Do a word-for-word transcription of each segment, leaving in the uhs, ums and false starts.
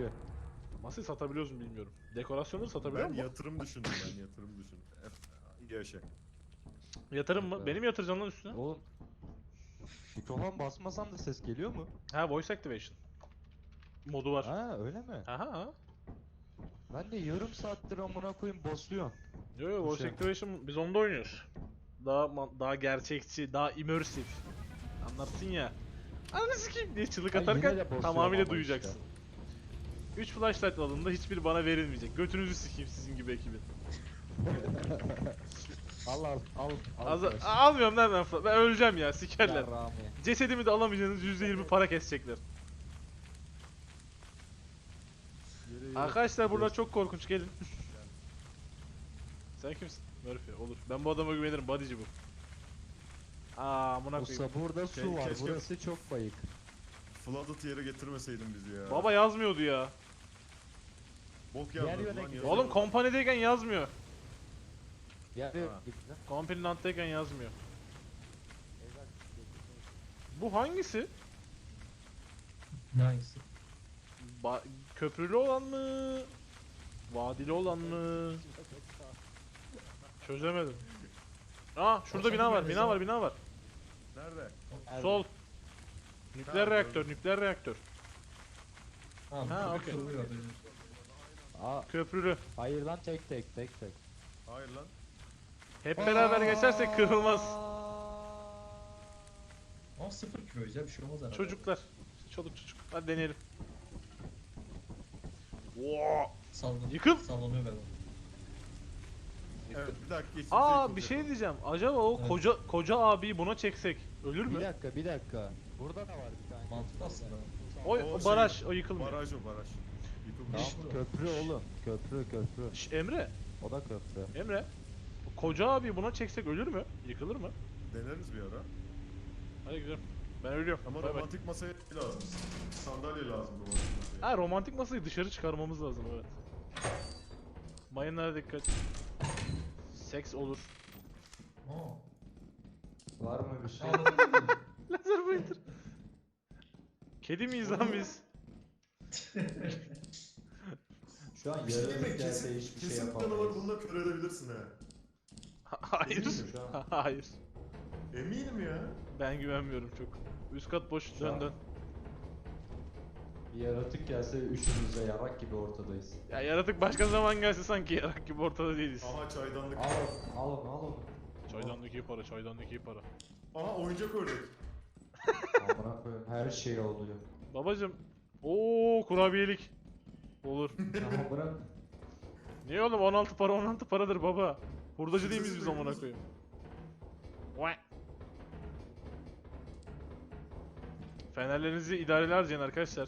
satılıyor. Masayı satabiliyoruz mu bilmiyorum. Dekorasyonları satabiliyor Ben mu? yatırım düşündüm ben yatırım düşündüm. Hep yaşa. Yatırım mı? Evet. Benim yatıracağım lan üstüne. Oğlum. Mikrofon basmasan da ses geliyor mu? Ha, voice activation. Modu var. Ha öyle mi? Aha. Ben de yarım saattir amına koyayım basıyorum. Yo yo, Bu voice şey. activation biz onda oynuyoruz. Daha ma- daha gerçekçi, daha immersive. Anlarsın ya. Ananı sikeyim diye çığlık Ha, yine atarken de basıyorum tamamıyla ama duyacaksın. üç flashlight alında hiçbiri bana verilmeyecek. Götünüzü sikeyim sizin gibi ekibin. Al al al. al Az flash. almıyorum lan ben flash. Ben öleceğim ya, sikerler. Yarrağımı. Cesedimi de alamayacaksınız, yüzde yirmi para kesecekler. Yere yere Arkadaşlar buralar çok korkunç, gelin. Sen kimsin? Murphy, olur. Ben bu adama güvenirim, bodyci bu. Aa, amına koyayım. Usta burada su Ke- var. keşke- Burası çok bayık. Flooded yere getirmeseydin bizi ya. Baba yazmıyordu ya. Bok Diğer yazmadı yöne lan gidelim. yazıyor. Oğlum kompanideyken yazmıyor. Ya Ha. gitti. Kompanidantayken yazmıyor. Bu hangisi? Ne hangisi? Ba köprülü olan mı? Vadili olan mı? Çözemedim. Aa, şurada Baksana bina var, nerede bina sen? var, bina var. Nerede? Sol. Nükleer Ha, reaktör, gördüm. nükleer reaktör. Tamam. Ha, köpek okey. soruyor haberiniz. Aa, Köprülü. hayır lan tek tek tek tek. Hayır lan. Hep beraber geçersek kırılmaz. Ama sıfır kiloyuz ya, bir şey olmaz herhalde. Çocuklar. Çoluk çocuk. Hadi deneyelim. Oo. Sallan Yıkıl. Sallanıyor galiba. Evet bir dakika geçsin. Aa, bir şey diyeceğim. Acaba o Evet. koca koca abiyi buna çeksek ölür Bir mü? dakika bir dakika. Burada da var bir tane. Mantıklı aslında. O, o şey, baraj, o yıkılmıyor. Baraj o baraj. Yıkılmış. Tamam köprü oğlum. Köprü köprü. Şş, Emre, O da köprü. Emre. O koca abi buna çeksek ölür mü? Yıkılır mı? Deneriz bir ara. Hadi gidelim. Ben ölüyorum. Ama Bay bay. romantik masaya lazım. Sandalye lazım romantik masaya. Ha, romantik masayı dışarı çıkarmamız lazım, evet. Mayınlara dikkat. Seks olur. Aa. Var mı bir şey? Anladın mı? Lazer bayıldır. Kedi miyiz lan biz? Şu an Bir şey diyeyim mi? yarım gelse Kesin, hiçbir şey kesin yapamayız. olarak bununla kör edebilirsin ha. Hayır. Eminim şu an. Hayır. Eminim ya. Ben güvenmiyorum çok. Üst kat boş, Şu dön an- dön. Bir yaratık gelse üçümüz de yarak gibi ortadayız. Ya yaratık başka zaman gelse sanki yarak gibi ortada değiliz. Aha çaydanlık. Al onu, al onu, al onu. Çaydanlık iyi para, çaydanlık iyi para. Aha oyuncak ördek. Amına koyayım her şey oluyor. Babacım. Oo, kurabiyelik. Olur. Ama bırak. Niye oğlum, on altı para on altı paradır baba. Hurdacı değil miyiz biz amına koyayım? Vay. Fenerlerinizi idareli harcayın arkadaşlar.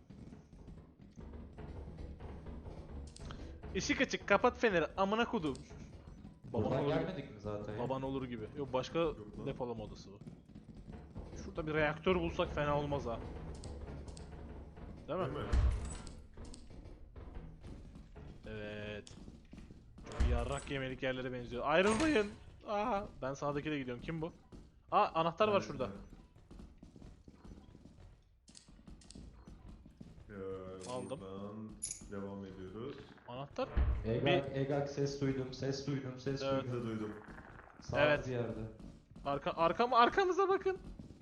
Işık açık, kapat feneri, amına kodum. Baban Buradan olur, gelmedik mi zaten? baban olur gibi. Yok, başka lan. depolama odası bu. Şurada bir reaktör bulsak fena olmaz ha. Değil mi? Değil mi? Evet. Çok yarrak yemelik yerlere benziyor. Ayrılmayın. Aa, ben sağdakiyle gidiyorum. Kim bu? Aa, anahtar var şurada. Ee, Aldım. Buradan devam ediyoruz. Anahtar? Egak, Egak ses duydum, ses duydum, ses Evet. Ben duydum. de duydum. Sağ Evet. bir yerde. Arka arkam arkamıza bakın.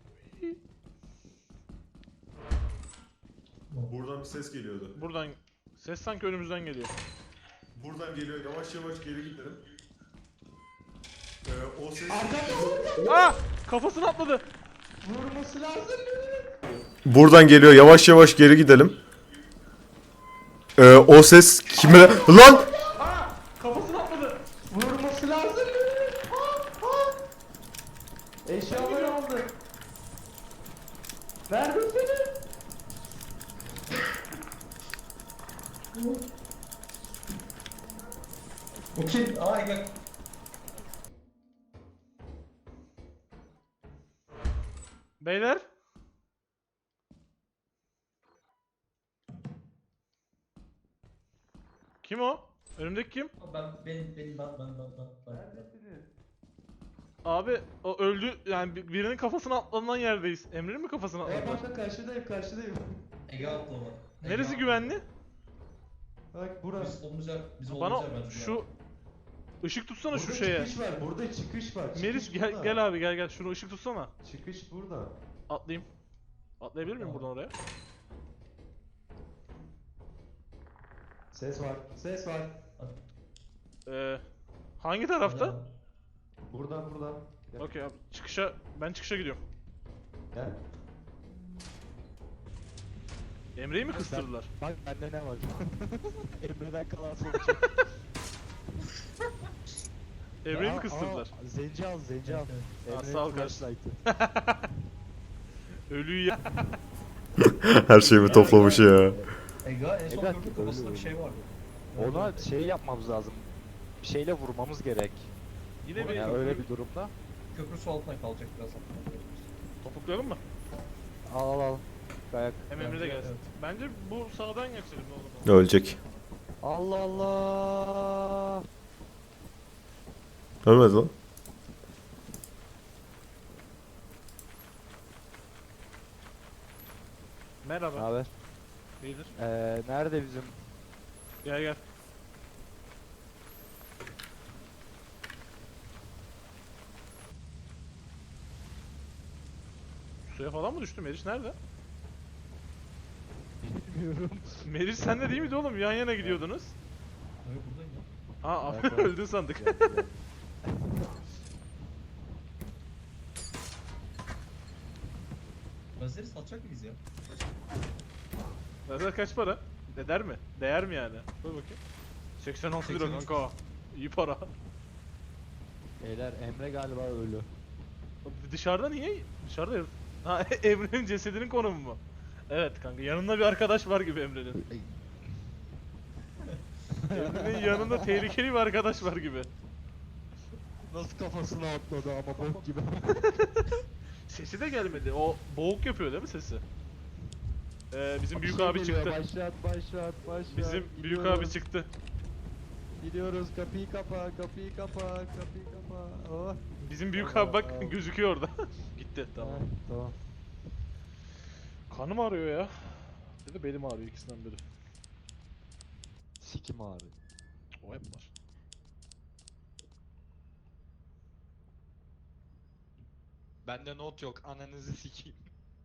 Buradan bir ses geliyordu. Buradan ses sanki önümüzden geliyor. Buradan geliyor. Yavaş yavaş geri gidelim. Ee, o ses... Aa! Kafasını atladı. Vurması lazım. Buradan geliyor. Yavaş yavaş geri gidelim. Ee, o ses kime... Lan! Aa! Kafasını atladı. Vurması lazım. Eşyaları aldı. Verdim seni. O kim? Aa gel. Beyler. Kim o? Önümdeki kim? Ben benim benim ben ben ben ben. ben. Abi o öldü, yani bir- birinin kafasına atlanan yerdeyiz. Emre'nin mi kafasına Evet atladılar? ben de karşıdayım, karşıdayım. Ege atlı o. Ege Neresi atlı. güvenli? Bak burası. Biz olduğumuz yer, biz Bana olduğumuz yer bence. şu ışık tutsana Burada şu şeye. çıkış var. Burada çıkış var. Çıkış Meriç gel burada. gel abi gel gel şunu ışık tutsana. Çıkış burada. Atlayayım. Atlayabilir miyim Tamam. buradan oraya? Ses var. Ses var. Ee, hangi tarafta? Buradan buradan. Gel. Okey abi çıkışa ben çıkışa gidiyorum. Gel. Emre'yi mi kıstırdılar? Bak bende ne var? Emre'den kalan sonuç. Emre'yi mi Aa, kıstırdılar? aa, Zenci al, zenci al. Aa, Emre'nin sağ ol kardeşim. flashlight'ı. Ölüyü ya. Her şeyimi toplamış ya. Ega en son Ega, köprü öyle kafasında bir öyle. şey vardı. Ona şey yapmamız lazım. Bir şeyle vurmamız gerek. Yine bir Yani öyle bir durumda. Köprü su altına kalacak birazdan. topuklayalım mı? Al al al. Kayak. Hem Emre de Bence gelsin. evet. Bence bu sağdan geçelim ne olur. Ölecek. Allah Allah. Ölmedi lan. Ne Merhaba. haber? İyidir. Ee, nerede bizim? Gel gel. Suya falan mı düştü Meriç nerede? Bilmiyorum. Meriç sen de değil miydi oğlum? Yan yana gidiyordunuz. Evet buradayım ya. Ha Evet, evet. öldün sandık. Gel, gel. Lazeri satacak mıyız ya? Lazer kaç para? Eder mi? Değer mi yani? Dur bakayım. seksen altı lira seksen üç. kanka. İyi para. Beyler Emre galiba ölü. Dışarıda niye? Dışarıda ya- Ha Emre'nin cesedinin konumu mu? Evet kanka yanında bir arkadaş var gibi Emre'nin. Emre'nin yanında tehlikeli bir arkadaş var gibi. Nasıl kafasına atladı ama bok gibi. Sesi de gelmedi. O boğuk yapıyor değil mi sesi? Ee, bizim Bir büyük şey abi geliyor, çıktı. Başlat başlat başlat. Bizim büyük Gidiyoruz, abi çıktı. Gidiyoruz kapıyı kapa kapıyı kapa kapıyı kapa. Oh. Bizim büyük Tamam, abi bak tamam. gözüküyor orada. Gitti tamam. Heh, tamam. Kanım ağrıyor ya. Ya da belim ağrıyor ikisinden biri. Sikim abi. O hep var. Bende not yok ananızı sikeyim.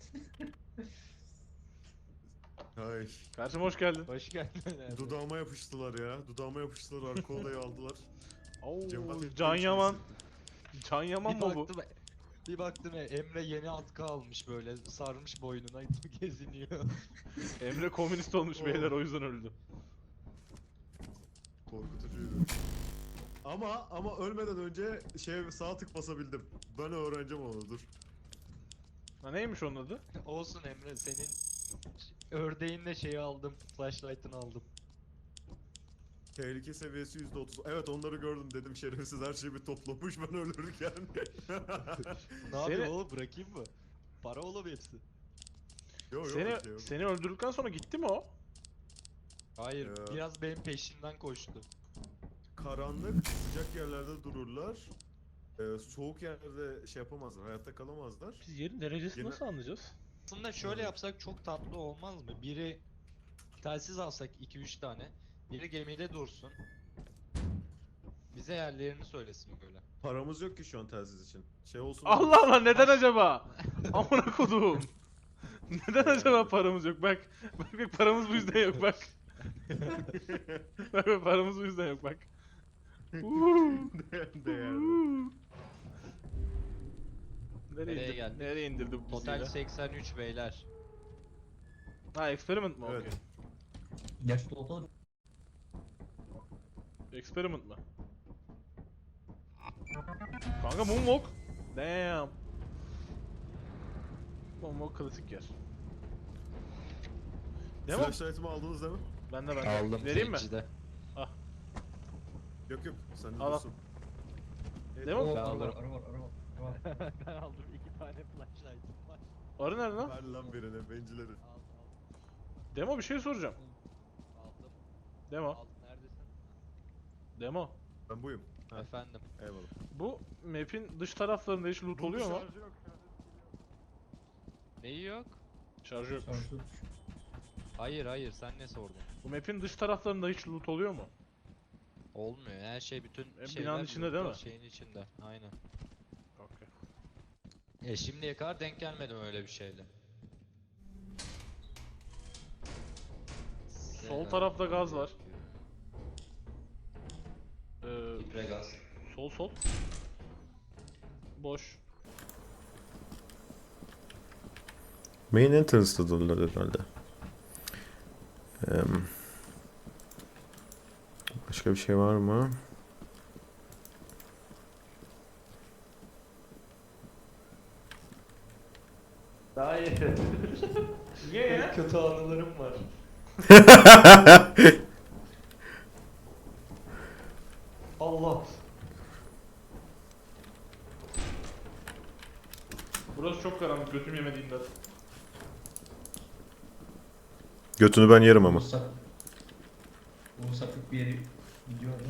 Ay. Kardeşim hoş geldin. Hoş geldin abi. Dudağıma yapıştılar ya. Dudağıma yapıştılar. Arka odayı aldılar. Oo, Cemaat ettiğim Can için Yaman. hissettim. Can Yaman bir mı bu? baktım, bir baktım e, Emre yeni atkı almış böyle sarmış boynuna geziniyor. Emre komünist olmuş Oo. beyler o yüzden öldü. Korkutucuydu. Ama ama ölmeden önce şey sağ tık basabildim. Ben öğreneceğim onu dur. Ha neymiş onun adı? Olsun Emre senin ördeğinle şeyi aldım. Flashlight'ını aldım. Tehlike seviyesi yüzde otuz. Evet onları gördüm dedim şerefsiz her şeyi bir toplamış ben ölürken. Ne yapayım Seni- oğlum bırakayım mı? Para oğlum hepsi. Yok yok Seni bir şey yok. seni öldürdükten sonra gitti mi o? Hayır Ya. biraz benim peşimden koştu. Karanlık sıcak yerlerde dururlar. Ee, soğuk yerlerde şey yapamazlar hayatta kalamazlar. Biz yerin derecesini Yine- nasıl anlayacağız? Aslında şöyle yapsak çok tatlı olmaz mı? Biri telsiz alsak iki üç tane. Biri gemide dursun. Bize yerlerini söylesin böyle. Paramız yok ki şu an telsiz için. Şey olsun. Allah Allah neden acaba? Amına koduğum. Neden acaba paramız yok? Bak. Bak bak paramız bu yüzden yok bak. Bak bak paramız bu yüzden yok bak. Uuu. Değerli. Uuu. Nereye, Nereye indir- geldik? Nereye indirdi bu bizi Total ya? seksen üç beyler. Ha experiment mi? Evet. Okey. Gerçi dolda Experiment mı? Kanka Moonwalk. Damn. Moonwalk klasik yer. Devam. Flashlight'ımı aldınız değil mi? Ben de ben de. Aldım Vereyim mi? zencide. Yok yok sen de Al, al. dursun. Evet, Devam. Oo, Ben arı var, alırım. arı var, arı var, arı var. Ben aldım iki tane flashlight'ım var. Arı nerede lan? Ver lan birine bencileri. Al Demo bir şey soracağım. al. Aldım. Demo. Al neredesin? Demo. Ben buyum. Ha. Efendim. Eyvallah. Bu map'in dış taraflarında hiç loot oluyor mu? Şarjı yok, şarjı yok. Neyi yok? Şarjı yok. Şarjı düşük. Hayır hayır sen ne sordun? Bu map'in dış taraflarında hiç loot oluyor mu? Olmuyor her şey bütün E, şeyler binanın içinde değil mi? şeyin içinde. Aynen. Okey. E şimdiye kadar denk gelmedim öyle bir şeyle. Sol tarafta gaz var. Ee, Gaz. sol sol. Boş. Main entrance'dadılar herhalde. Em, başka bir şey var mı? Hayır. Niye ya? Kötü anılarım var. Allah. Burası çok karanlık, götüm yemediğinden. Götünü ben yerim ama. Sak. Bu saklık bir yeri gidiyor orada.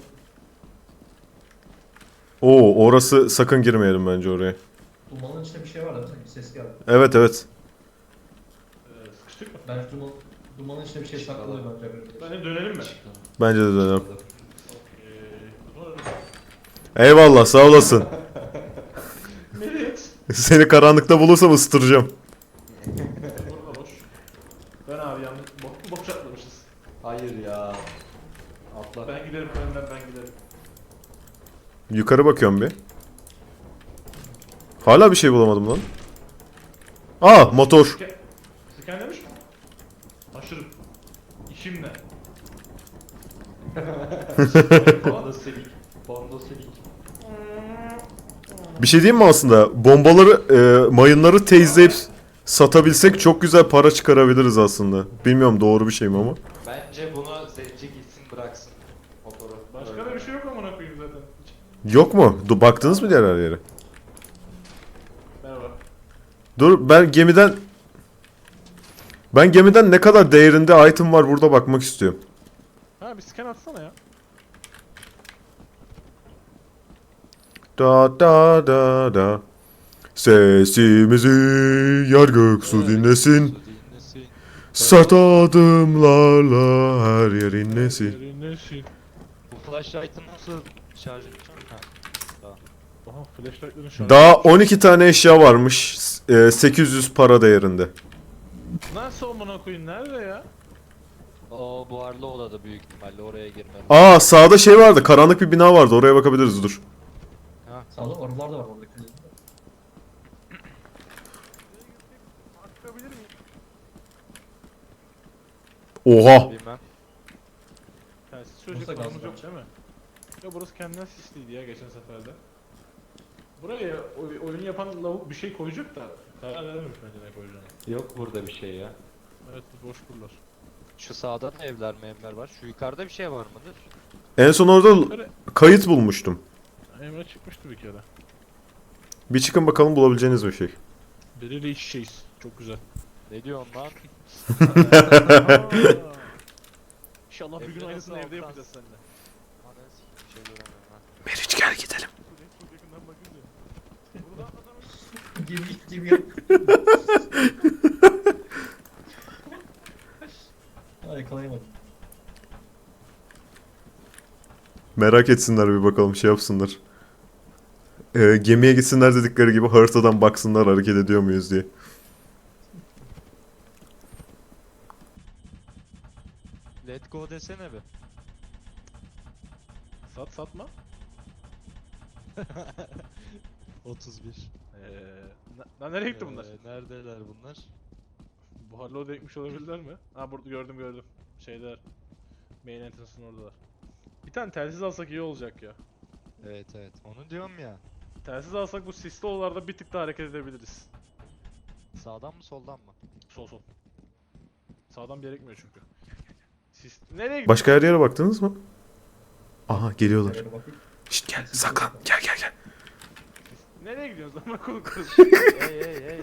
Oo, orası sakın girmeyelim bence oraya. Dumanın içinde bir şey var da sanki ses geldi. Evet evet. Ee, sıkıştık mı? Ben duman, dumanın içinde bir şey saklıyor bence. Bence dönelim mi? Bence de dönelim. Okey. O zaman Eyvallah, sağ olasın. Merit. Seni karanlıkta bulursam ısıtıracağım. Burada boş. Ben abi yanlış bok, boş atlamışız. Hayır ya. Atla. Ben giderim önden ben giderim. Yukarı bakıyorum bir. Hala bir şey bulamadım lan. Aa, motor. Sken... Skenlemiş mi? Aşırı. İşim ne? Bondo silik. Bondo silik. Bir şey diyeyim mi aslında? Bombaları, e, mayınları teyzleyip satabilsek çok güzel para çıkarabiliriz aslında. Bilmiyorum doğru bir şey mi ama. Bence bunu zenci gitsin bıraksın motoru. Başka da bir şey yok amına koyayım zaten. Yok mu? Du baktınız mı diğer her yere? Merhaba. Dur, ben gemiden... Ben gemiden ne kadar değerinde item var burada bakmak istiyorum. Ha bir scan atsana ya. Da da da da. Sesimizi yer gök su dinlesin. Su dinlesin. Sert adımlarla her yer inlesin. Nesin? Bu flashlight'ı nasıl şarj edeceğim? Ha. Aha flashlight'ların şarjı. Daha on iki tane eşya varmış. e, sekiz yüz para değerinde. Nasıl amına koyayım nerede ya? O buharlı odada büyük ihtimalle oraya girmem. Aa, sağda şey vardı. Karanlık bir bina vardı. Oraya bakabiliriz, dur. Ha. Sağda arılar da var oradaki. Bakabilir miyim? Oha. Bilmem. Telsiz söyleyecek Burası paramız gaz yok var. değil mi? Ya burası kendinden sisliydi ya geçen seferde. Buraya oy- oyunu yapan lavuk bir şey koyacak da karar verememiş bence ne koyacağını. Yok burada bir şey ya. Evet bu boş buralar. Şu sağda da evler memler var. Şu yukarıda bir şey var mıdır? En son orada Yukarı kayıt bulmuştum. Emre çıkmıştı bir kere. Bir çıkın bakalım bulabileceğiniz bir şey. Biriyle iç şeyiz. Çok güzel. Ne diyorsun lan? Aa! İnşallah bir gün Emre aynısını nasıl evde alttan- yapacağız seninle. Ananı sikeyim, bir şey göremiyorum ha. Meriç gel gidelim. Çok yakından bakınca. Burada atladım. Gemi gemi yap. Ha yakalayamadım. Merak etsinler bir bakalım, şey yapsınlar. Ee, gemiye gitsinler dedikleri gibi haritadan baksınlar hareket ediyor muyuz diye. Let go desene be. Sat satma. otuz bir. Eee na- lan nereye gitti bunlar? Ee, neredeler bunlar? Buharlı odaya gitmiş olabilirler mi? Ha burada gördüm gördüm. Şeyler. Main entrance'ın oradalar. Bir tane telsiz alsak iyi olacak ya. Evet evet. Onu diyorum ya. Telsiz alsak bu sisli odalarda bir tık daha hareket edebiliriz. Sağdan mı soldan mı? Sol sol. Sağdan gerekmiyor çünkü. Sis... Nereye gidiyor? Başka her yere baktınız mı? Aha, geliyorlar. Şöyle bakayım. Şşt, gel saklan, gel gel gel. Nereye gidiyorsunuz lan konu kız? hey hey hey.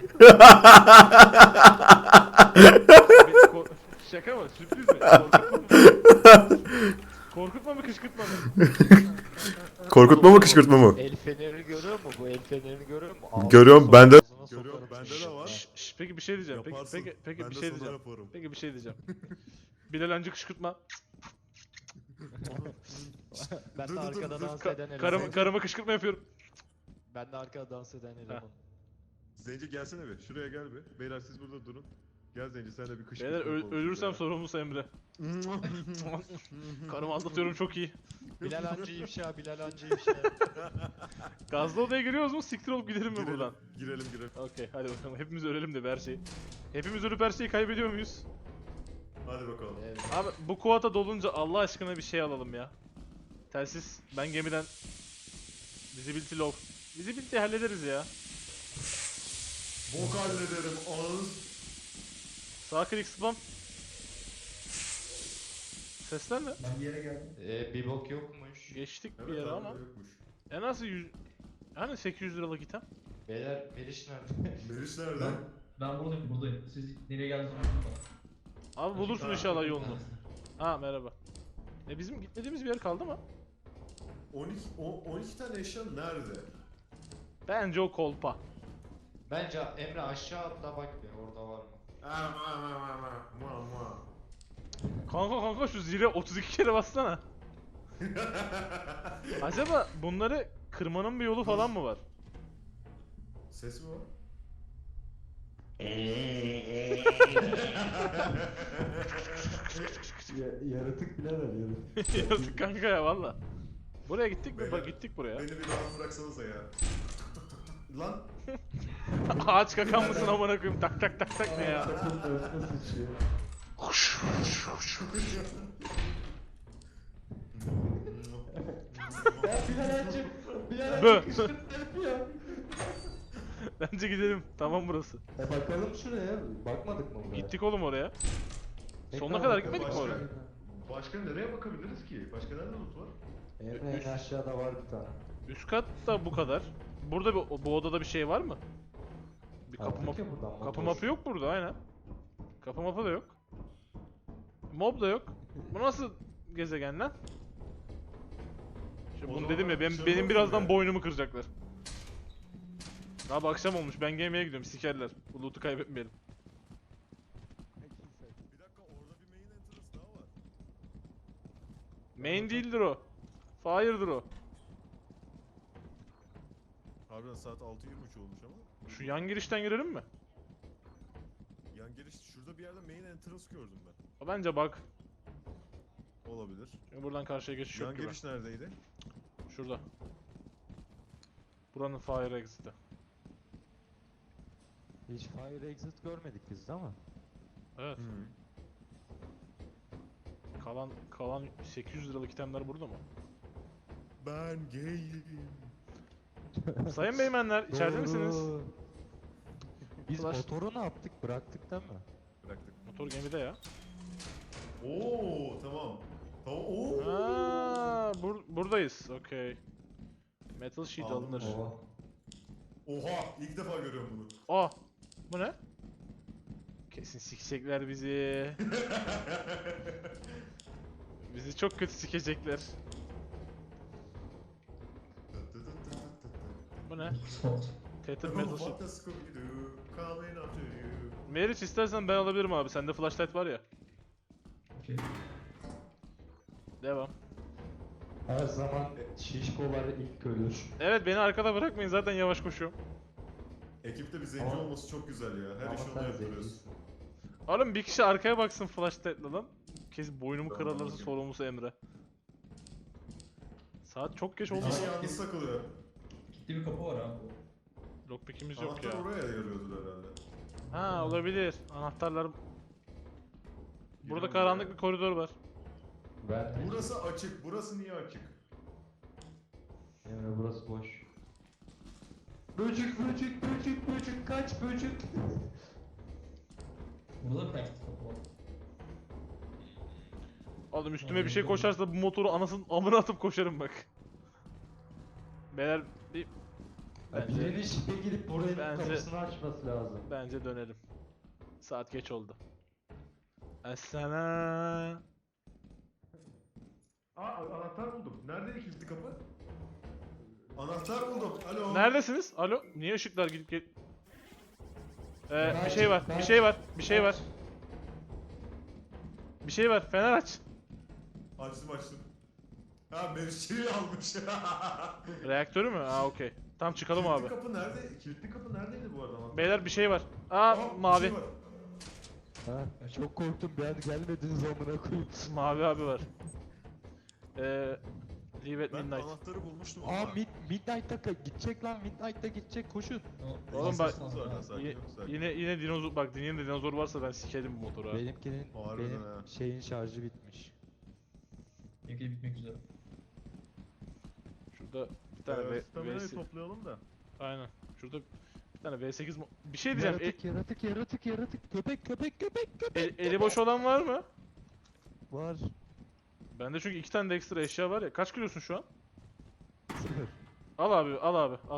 Şaka mı? Sürpriz mi? Korkutma mı? Korkutma mı kışkırtma mı? Korkutma mı kışkırtma mı? El fenerini görüyor mu? Bu el fenerini görüyor mu? Ağzına Görüyorum, sok- bende- ağzına Görüyorum, sokarım bende şimdi. de var. Ha. Şş, peki bir şey diyeceğim. Peki Yaparsın. peki peki ben bir de şey sana diyeceğim. yaparım. Peki bir şey diyeceğim. Bilal Hancı kışkırtma. Ben Dur, de dur, dur, arkada dur. dans Ka- eden eleman. karıma, karıma kışkırtma yapıyorum. Ben de arkada dans eden eleman. Zenci gelsene bir. Şuraya gel bir. Beyler siz burada durun. Gel Zenci sen de bir kışkırtma Beyler ö- yapalım ölürsem şuraya. sorumlusu Emre. Karımı aldatıyorum çok iyi. Bilal Hancı ifşa, Bilal Hancı ifşa. Gazlı odaya giriyoruz mu? Siktir olup gidelim mi Girelim, buradan? Girelim girelim. Okey hadi bakalım. Hepimiz ölelim de bir her şeyi. Hepimiz ölüp her şeyi kaybediyor muyuz? Hadi bakalım. Evet. Abi bu kuota dolunca Allah aşkına bir şey alalım ya. Telsiz. Ben gemiden Visibility low. Visibility hallederiz ya. Bok hallederim ağız. Sağ klik spam. Sesler ne? Ben bir yere geldim. Ee, bir bok yokmuş. Geçtik bir Evet, yere abi, ama. yokmuş. En az yüz... Hani sekiz yüz liralık item? Beyler Meriç nerede? Meriç nerede? Ben, ben buradayım, buradayım. Siz nereye geldiğinizi unutmayın. Abi bulursun Ha, inşallah yolunu. Ha merhaba. E bizim gitmediğimiz bir yer kaldı mı? on iki, o- on iki tane eşya nerede? Bence o kolpa. Bence Emre aşağı atla bak bir orada var mı? Ama ama ama ama ama. Kanka kanka şu zile otuz iki kere bassana. Acaba bunları kırmanın bir yolu falan mı var? Ses mi var? Ya, yaratık bile var yaratık. Yazık kanka ya valla. Buraya gittik mi? Beyler, Bak gittik buraya. Beni bir rahat bıraksanıza ya. Lan Ağaç kakan mısın amına koyayım? Tak tak tak tak ne ya? Kapının önüne sıçıyor. Ya Bilal Hancı, Bilal Bö. Hancı kışkırtma yapıyor. Bence gidelim. Tamam burası. E bakalım şuraya, bakmadık mı buraya? Gittik oğlum oraya. Tekrar Sonuna kadar bakalım. gitmedik mi oraya? başka nereye bakabiliriz ki? Başka nerede loot var? Emre en aşağıda var bir tane. Üst katta bu kadar. Burada bir, bu odada bir şey var mı? Bir kapı Aldık mapı. ya buradan Kapı motor. mapı yok burada aynen. Kapı mapı da yok. Mob da yok. Bu nasıl gezegen lan? Şimdi O bunu zaman dedim ya ben, şey benim olsun birazdan ya. boynumu kıracaklar. Abi akşam olmuş ben gemeye gidiyorum sikerler. Bu loot'u kaybetmeyelim. Bir dakika orada bir main entrance daha var. Main değildir o. Fire'dır o. Harbiden saat altı yirmi üç olmuş ama. Şu yan girişten girelim mi? Yan giriş şurada bir yerde main entrance gördüm ben. O bence bak. Olabilir. Çünkü buradan karşıya geçiş Yan yok gibi. giriş neredeydi? Şurada. Buranın fire exit'i. Hiç fire exit görmedik biz değil mi? Evet. Kalan kalan sekiz yüz liralık itemler burada mı? Ben gayim. Sayın beymenler içeride Doğru. misiniz? Biz Flash- motoru ne yaptık? Bıraktık değil mi? Bıraktık. Motor gemide ya. Oo tamam. Tamam. Oo. Aa, bur buradayız. Okey. Metal sheet Aldım. alınır. Oo. Oha ilk defa görüyorum bunu. Aa, bu ne? Kesin sikecekler bizi. Bizi çok kötü sikecekler. Bu ne? Spot. Tether metal sheet. What the Scooby-Doo coming after you. Meriç istersen ben alabilirim abi. Sende flashlight var ya. Okey. Devam. Her zaman şişkolar ilk ölür. Evet beni arkada bırakmayın zaten yavaş koşuyorum. Ekipte bir zenci Ama- olması çok güzel ya. Her Ama işi onu sen yaptırıyoruz. zencisin. Oğlum bir kişi arkaya baksın flashlight'la lan. Kesin boynumu Tamam, kırarlarsa bakayım. sorumlusu Emre. Saat çok geç Bir oldu. kişi yalnız takılıyor. Gitti bir kapı var abi. Lockpick'imiz yok Anahtar ya. oraya yarıyordur herhalde. Ha olabilir. Anahtarlar... Burada Girelim karanlık buraya. bir koridor var. Ben Burası açık. Burası niye açık? Emre burası boş. Böcük böcük böcük böcük kaç böcük. Burada da plastik kapı var. Oğlum üstüme bir şey koşarsa bu motoru anasının amına atıp koşarım bak. Beyler bir... Ya Bence, birinin şipe gidip buranın Bence- kapısını açması lazım. bence dönelim. Saat geç oldu. Esena. Aa anahtar buldum. Nerede kilitli kapı? Anahtar buldum. Alo. Neredesiniz? Alo? Niye ışıklar gidip gel... Ee, bir şey var, bir şey var, bir şey var. Bir şey var, fener aç. Açtım açtım. Ha Meriç'i almış. Reaktörü mü? Aa okey. Tamam çıkalım abi. kapı nerede? Kilitli kapı neredeydi bu arada? Beyler bir şey var. Aa mavi. Ha, çok korktum bir an gelmediniz amına koyayım. Mavi abi var. Ee, Leave at midnight. anahtarı bulmuştum Aa mid, Midnight'ta ka- gidecek lan Midnight'ta gidecek koşun. O- Oğlum bak- Nasıl lazım abi? Yine, yine yine dinozor bak yine dinozor varsa ben sikerim bu motoru ha. Benimkinin Harbiden benim ha. şeyin şarjı bitmiş. Bekle bitmek üzere. Şurada bir tane V, V, toplayalım da. aynen. Şurada bir tane V sekiz mo- bir şey diyeceğim. E- Yaratık yaratık yaratık yaratık köpek köpek köpek köpek. e- eli boş olan var mı? Var. Bende çünkü iki tane de ekstra eşya var ya. Kaç kilosun şu an? Sıfır. Al abi, al abi, al.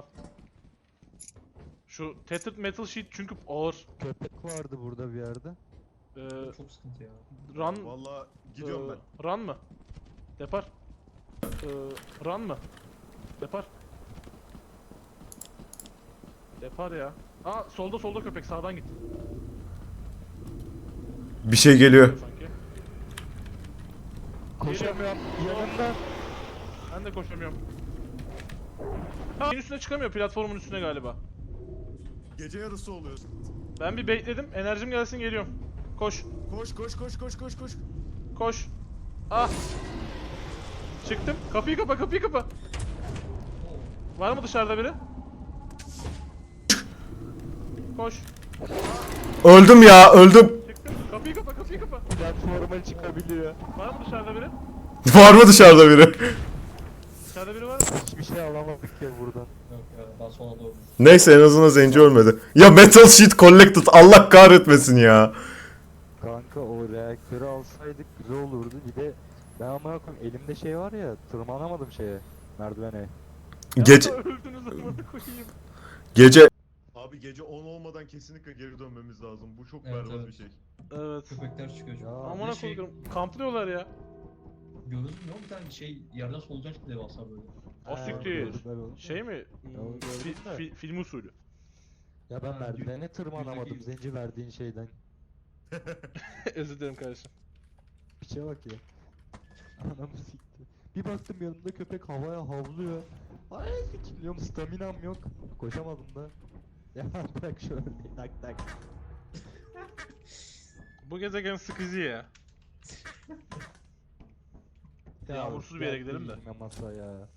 Şu tethered metal sheet çünkü ağır. Köpek vardı burada bir yerde. Ee, Çok sıkıntı ya. run, Valla ee, run mı? Depar. Ee, run mı? Depar. Depar ya. Aa solda solda köpek sağdan git. Bir şey geliyor. Sanki. Koşamıyorum yanımda. Ben de koşamıyorum. Ha, şeyin üstüne çıkamıyor platformun üstüne galiba. Gece yarısı oluyor. Ben bir bekledim. Enerjim gelsin geliyorum. Koş. Koş koş koş koş koş koş. Koş. Ah. Çıktım. Kapıyı kapa, kapıyı kapa. Var mı dışarıda biri? Koş. Öldüm ya öldüm. Çıktım. Kapıyı kapa, kapıyı kapa. Platforma çıkabiliyor. Var mı dışarıda biri? Var mı dışarıda biri? Dışarıda biri var mı? Hiçbir şey alamadık ya buradan. Yok ya daha sonra doğru. Neyse en azından zenci ölmedi. Ya Metal Sheet Collected Allah kahretmesin ya. Kanka o reaktörü alsaydık güzel olurdu. Bir de ben amına koyayım elimde şey var ya tırmanamadım şeye merdivene. Gece Ya öldünüz amına koyayım. gece Abi gece on olmadan kesinlikle geri dönmemiz lazım. Bu çok Evet, berbat evet. bir şey. Evet. Köpekler çıkıyor çünkü. Ya, Bir Amına de şey, koyayım. Kamplıyorlar ya. Gördün mü bir tane şey yerden solucan çıktı devasa böyle. O Ha, siktir. gördüm ben onu. Şey mi? Ya, onu Hmm, gördüm fi- de. fi- film usulü. Ya ben Ha, merdivene yüz- tırmanamadım yüzdeki- zenci verdiğin şeyden. Özür dilerim kardeşim. Piçe bak ya. Anamı sikti. Bir baktım yanımda köpek havaya havlıyor. Ay sikiliyorum staminam yok. Koşamadım da. Ya bırak şöyle tak tak. Bu gezegen sıkıcı ya. Yağmursuz bir yere gidelim de. Masa ya.